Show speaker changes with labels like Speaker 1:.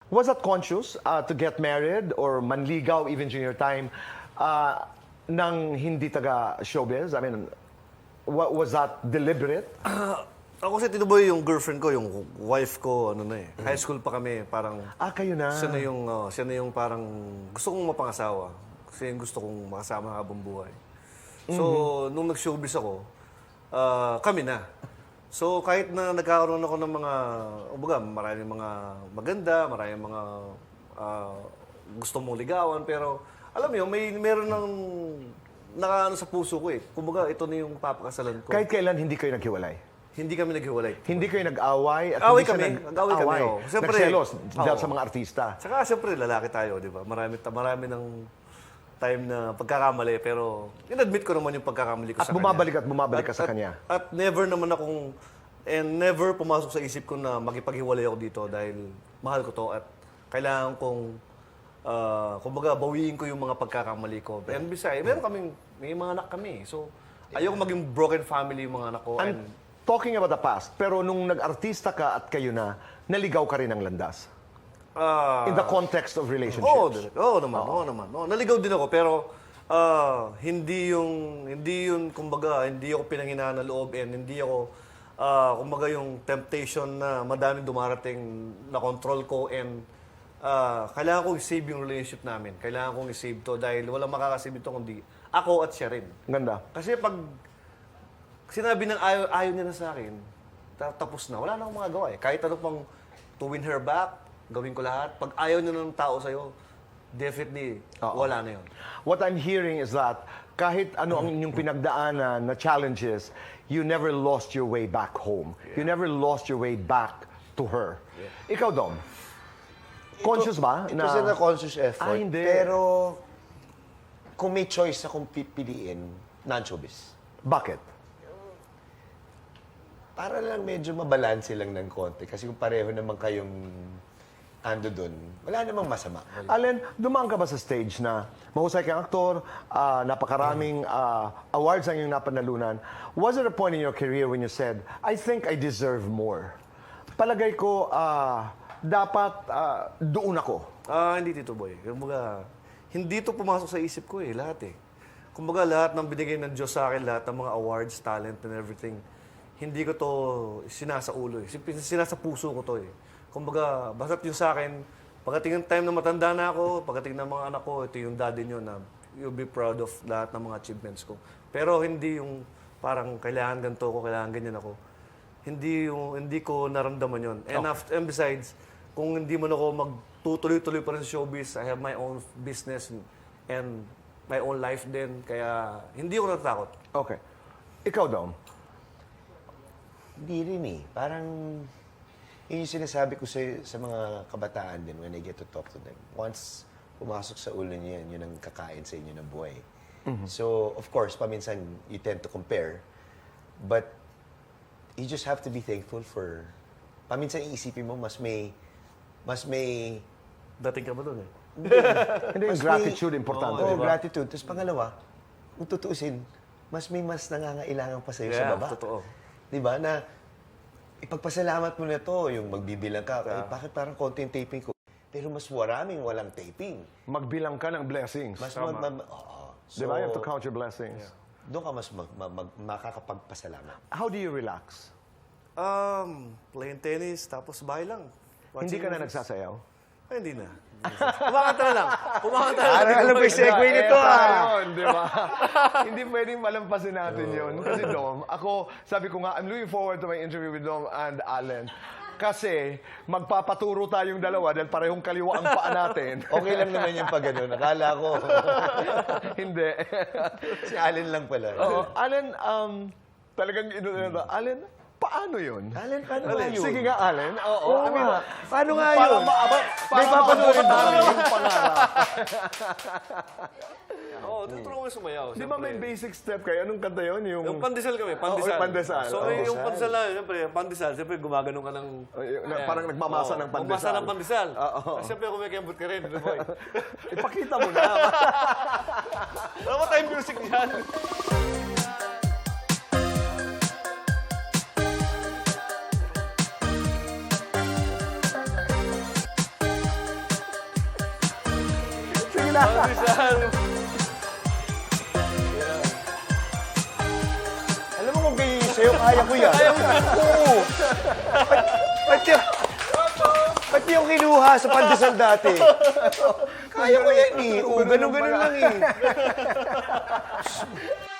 Speaker 1: Was that conscious to get married or manligaw even during your time nang hindi taga showbiz? I mean, was that deliberate?
Speaker 2: Ako kasi tinuboy yung girlfriend ko, yung wife ko, ano na eh. High school pa kami, parang
Speaker 1: Kayo na.
Speaker 2: siya na yung parang gusto kong mapangasawa. Kasi yung gusto kong makasama habang buhay. So, nung nag-showbiz ako, kami na. So, kahit na nagkakaroon ako ng mga, maraming mga maganda, maraming mga gusto mong ligawan, pero alam mo yun, meron ng nakaano sa puso ko eh. Kumbaga, ito na yung papakasalan ko.
Speaker 1: Kahit kailan hindi kayo naghiwalay?
Speaker 2: Hindi kami naghiwalay.
Speaker 1: Hindi kayo nag-away? At
Speaker 2: Away
Speaker 1: hindi siya
Speaker 2: kami. Nag-away kami, oo. Siyempre,
Speaker 1: nagselos dahil
Speaker 2: oo.
Speaker 1: sa mga artista.
Speaker 2: Saka siyempre, lalaki tayo, di ba? Marami ng time na pagkakamali, pero in-admit ko naman yung pagkakamali ko
Speaker 1: At
Speaker 2: sa
Speaker 1: bumabalik ka sa kanya.
Speaker 2: At never naman akong, never pumasok sa isip ko na makipaghiwalay ako dito dahil mahal ko to at kailangan kong, kumbaga, bawiin ko yung mga pagkakamali ko. And besides, may mga anak kami. So, ayoko maging broken family yung mga anak ko.
Speaker 1: And talking about the past, pero nung nag-artista ka at kayo na, naligaw ka rin ng landas? In the context of relationships?
Speaker 2: Oo naman. Naligaw din ako, pero hindi yun, kumbaga, hindi ako pinanghinaan ng loob and hindi ako, kumbaga, yung temptation na madaming dumarating na control ko and kailangan kong i-save yung relationship namin. Kailangan kong i-save to dahil walang makakasave ito kundi ako at siya rin.
Speaker 1: Ganda.
Speaker 2: Kasi pag sinabi ng ayaw niya na sa akin, tapos na. Wala na akong magagawa eh. Kahit ano pang to win her back, gawin ko lahat. Pag ayaw niya ng tao sa'yo, definitely, wala na yun.
Speaker 1: What I'm hearing is that kahit ano ang inyong pinagdaanan na challenges, you never lost your way back home. You never lost your way back to her. Ikaw, Dom, conscious ba?
Speaker 3: It was a conscious effort.
Speaker 1: Hindi.
Speaker 3: Pero kung may choice akong pipiliin, non-showbiz.
Speaker 1: Bakit?
Speaker 3: Para lang medyo mabalanse lang ng konti. Kasi kung pareho naman kayong ando dun, wala namang masama.
Speaker 1: Allen, dumaan ka ba sa stage na mahusay kang aktor, napakaraming awards ang iyong napanalunan? Was there a point in your career when you said, I think I deserve more? Palagay ko, dapat doon ako.
Speaker 2: Hindi Tito Boy. Kumbaga, hindi to pumasok sa isip ko eh, lahat eh. Kumbaga, lahat ng binigay ng Diyos sa akin, lahat ng mga awards, talent, and everything, hindi ko to sinasa ulo eh. Sinasa puso ko to eh. Kumbaga, basta't yung sa akin, pagdating ng time na matanda na ako, pagdating ng mga anak ko, ito yung daddy nyo na you'll be proud of lahat ng mga achievements ko. Pero hindi yung parang kailangan ganito ko, kailangan ganyan ako. Hindi ko naramdaman yun. And besides, kung hindi man ako magtutuloy-tuloy pa rin sa showbiz, I have my own business and my own life din. Kaya hindi ako natatakot.
Speaker 1: Okay. Ikaw, Dom.
Speaker 3: Hindi rin eh. Parang, yun yung sinasabi ko sa mga kabataan din when I get to talk to them. Once pumasok sa ulo niyo yan, yun ang kakain sa inyo ng buhay. So, of course, paminsan, you tend to compare. But, you just have to be thankful for, paminsan iisipin mo, mas may,
Speaker 2: Dating ka ba doon eh?
Speaker 1: Hindi, gratitude, importante.
Speaker 3: Oo,
Speaker 1: di ba?
Speaker 3: gratitude. Tapos pangalawa, kung tutuusin, mas nangangailangan pa sa'yo sa baba.
Speaker 2: Totoo.
Speaker 3: Di ba? Na ipagpasalamat mo na to, yung magbibilang ka. Bakit parang konti yung taping ko? Pero mas maraming walang taping.
Speaker 1: Magbilang ka ng blessings.
Speaker 3: Mas
Speaker 1: Di ba? You have to count your blessings.
Speaker 3: doon ka mas makakapagpasalamat.
Speaker 1: How do you relax?
Speaker 2: Playing tennis, tapos bahay lang.
Speaker 1: Hindi
Speaker 2: Watching
Speaker 1: ka na
Speaker 2: movies.
Speaker 1: nagsasayaw?
Speaker 2: Ay, hindi na. Kumakanta na lang. Kumakanta na lang.
Speaker 3: Alam ko yung segue nito
Speaker 1: Yun, di ba? Hindi pwedeng malampasin natin yun. Kasi Dom, ako, sabi ko nga, I'm looking forward to my interview with Dom and Allen. Kasi magpapaturo tayong dalawa dahil parehong kaliwa ang paa natin.
Speaker 3: Okay lang naman yung pag gano'n. Akala ko.
Speaker 1: Hindi.
Speaker 3: Si Allen lang pala.
Speaker 1: Oo. Allen, talagang Allen, paano yun?
Speaker 3: Allen, paano nga yun?
Speaker 1: Sige nga, Allen. Oo.
Speaker 3: Oo
Speaker 1: I mean,
Speaker 3: nga. Paano nga
Speaker 1: para
Speaker 3: yun?
Speaker 1: May papanoorin namin yung pangarap.
Speaker 2: Oo, tutulungan ko sumayaw.
Speaker 1: Di ba may basic step kayo? Anong kanta yun?
Speaker 2: Yung pandesal kami, pandesal.
Speaker 1: Oo, pandesal.
Speaker 2: So,
Speaker 1: Oo.
Speaker 2: yung pandesal na, siyempre, pandesal, siyempre, gumaganon ka ng...
Speaker 1: Parang nagmamasa ng pandesal.
Speaker 2: Gumamasa ng pandesal.
Speaker 1: Oo.
Speaker 2: Siyempre, kumikembot ka rin, boy.
Speaker 1: Ipakita mo na.
Speaker 2: Wala ba tayong music niyan?
Speaker 3: Alam mo kung ganyan yung sa'yo, kaya ko yan. Oo. Pati yung kinuha sa pandesal dati. Kaya ko yan eh. Oo, ganun lang eh.